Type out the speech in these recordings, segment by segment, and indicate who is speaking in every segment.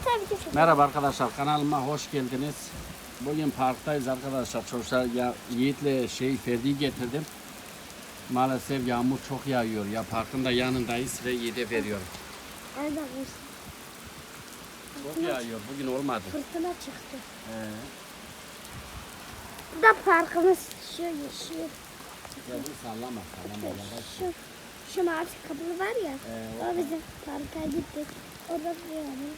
Speaker 1: sen video çek.
Speaker 2: Merhaba arkadaşlar, kanalıma hoş geldiniz. Bugün parktayız arkadaşlar. Çocuklar Yiğit'le Ferdi'yi getirdim. Maalesef yağmur çok yağıyor. Ya parkın da yanındayız ve Yiğit'e veriyorum.
Speaker 1: Nerede
Speaker 2: Çok yağıyor. Bugün olmadı.
Speaker 1: fırtına çıktı. Bu da parkımız şu yeşil.
Speaker 2: Ya dur sallama.
Speaker 1: Şu mavi kapılı var ya. O bizim parka gittik. Orada yani.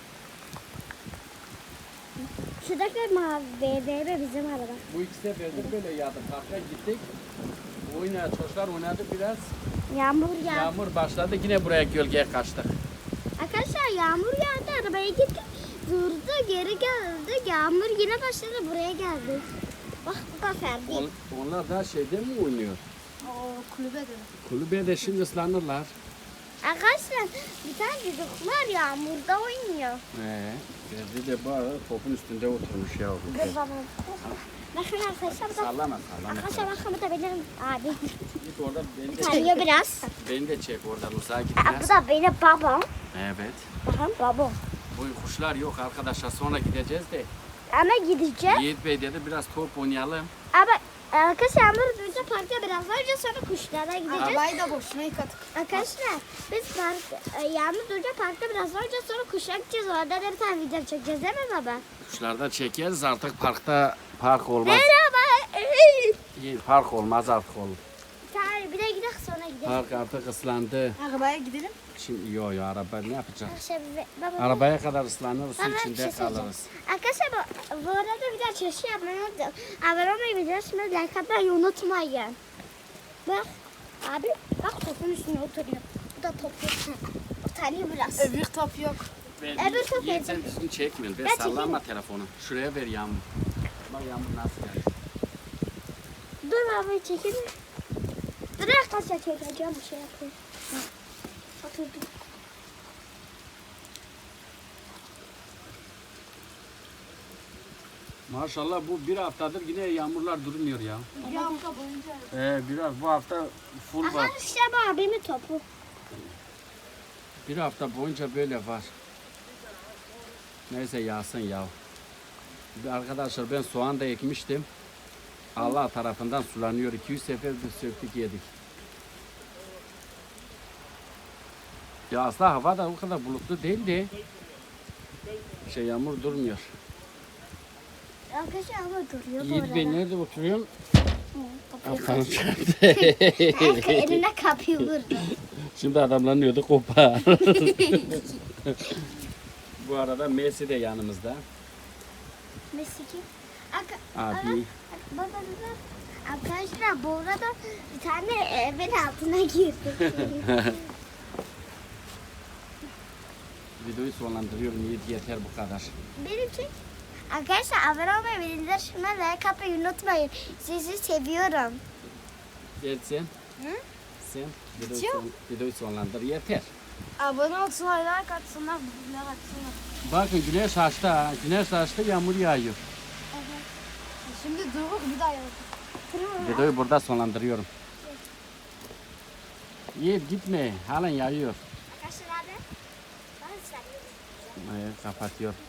Speaker 1: Şuradaki mavi BMW bizim araba.
Speaker 2: Bu iki seferdir böyle yağdı. Parka gittik. Çocuklar oynadı biraz.
Speaker 1: Yağmur yağdı.
Speaker 2: Yağmur başladı. Yine buraya gölgeye kaçtık.
Speaker 1: Arkadaşlar yağmur yağdı. Arabaya gittik. Durdu geri geldi. Yağmur yine başladı. Buraya geldi. Bak bu da Ferdi.
Speaker 2: Onlar da şeyde mi oynuyor?
Speaker 1: O kulübede.
Speaker 2: Kulübede şimdi ıslanırlar.
Speaker 1: Arkadaşlar bir tane çocuklar yağmurda oynuyor.
Speaker 2: Ferdi de bu arada topun üstünde oturmuş ya.
Speaker 1: Dur baba. Bakın arkadaşlar bu da.
Speaker 2: Sallama.
Speaker 1: Arkadaşlar bakın bu da benim abi.
Speaker 2: Git orada beni de
Speaker 1: Tanıyor biraz.
Speaker 2: Beni de çek oradan uzağa git
Speaker 1: Aa,
Speaker 2: biraz.
Speaker 1: bu da benim babam.
Speaker 2: Evet.
Speaker 1: Bakın babam.
Speaker 2: Bu kuşlar yok arkadaşlar, sonra gideceğiz de.
Speaker 1: Ama gideceğiz.
Speaker 2: Yiğit Bey dedi biraz top oynayalım.
Speaker 1: Ama arkadaşlar yağmur duyunca parkta biraz önce sonra kuşlara gideceğiz.
Speaker 3: Arabayı da boşuna yıkadık.
Speaker 1: Arkadaşlar biz yağmur duyunca parkta biraz önce sonra kuşlara gideceğiz. Orada da bir tane video çekeceğiz değil mi baba?
Speaker 2: Kuşlarda çekeriz artık, park olmaz.
Speaker 1: Merhaba.
Speaker 2: Yiğit, park olmaz artık oğlum.
Speaker 1: Tamam bir de gidelim sonra gidelim.
Speaker 2: Park artık ıslandı.
Speaker 3: Arabaya gidelim.
Speaker 2: Şimdi yo araba ne yapacak?
Speaker 1: Arkadaşlar baba.
Speaker 2: Arabaya kadar ıslanır, su
Speaker 1: Baba, bir
Speaker 2: içinde
Speaker 1: şey söyleyeceğim.
Speaker 2: kalırız.
Speaker 1: Arkadaşlar bu arada bir daha çalışı yapmayı unuttum. Abone olmayı biliyorsunuz. Like atmayı unutmayın. Bak abi bak topun üstüne oturuyor. Bu da top. Utanıyor biraz.
Speaker 3: Öbür top yok.
Speaker 1: Öbür top
Speaker 2: Yiğit sen
Speaker 1: yedim.
Speaker 2: düzgün çekmiyor.
Speaker 1: Ben
Speaker 2: Ben sallama telefonu. Şuraya ver Yağmur. Bak Yağmur nasıl geldi.
Speaker 1: Dur abi çekelim. Dur arkadaşlar çekeceğim bir şey yapayım. Oturdum.
Speaker 2: Maşallah bu bir haftadır yine yağmurlar durmuyor ya.
Speaker 3: Bir hafta boyunca.
Speaker 2: Biraz bu hafta full var.
Speaker 1: Arkadaşlar bu abimin topu.
Speaker 2: Bir hafta boyunca böyle var. Neyse yağsın ya. Arkadaşlar ben soğan da ekmiştim. Allah tarafından sulanıyor. 200 sefer de söktük yedik. Ya aslında hava da o kadar bulutlu değildi. Yağmur durmuyor.
Speaker 1: Arkadaşlar ama duruyor bu
Speaker 2: Yiğit
Speaker 1: arada.
Speaker 2: Bey nerede oturuyorsun?
Speaker 1: Kapıyı
Speaker 2: Aferin
Speaker 1: kapat. Eline kapıyı vurdu.
Speaker 2: Şimdi adamlanıyordu kopar. Bu arada Messi de yanımızda.
Speaker 1: Messi kim?
Speaker 2: Abi.
Speaker 1: Baba. Arkadaşlar bu arada bir tane evin altına girdi.
Speaker 2: Videoyu sonlandırıyorum. Yiğit yeter bu kadar.
Speaker 1: Benim için. Arkadaşlar abone olmayı, bildirimleri like atmayı unutmayın. Sizi seviyorum.
Speaker 2: Gel sen.
Speaker 1: Hı?
Speaker 2: Sen
Speaker 3: Bitiyor.
Speaker 2: videoyu sonlandır. Yeter.
Speaker 3: Abone olsunlar, like atsınlar, bilgiler atsınlar.
Speaker 2: Bakın güneş açtı ha. Güneş açtı, yağmur yağıyor.
Speaker 3: Şimdi duruk bir daha yapalım.
Speaker 2: Videoyu burada sonlandırıyorum. Yiğit gitme. Halen yağıyor.
Speaker 1: Arkadaşlar abi. Ben seviyorum.
Speaker 2: Kapatıyor.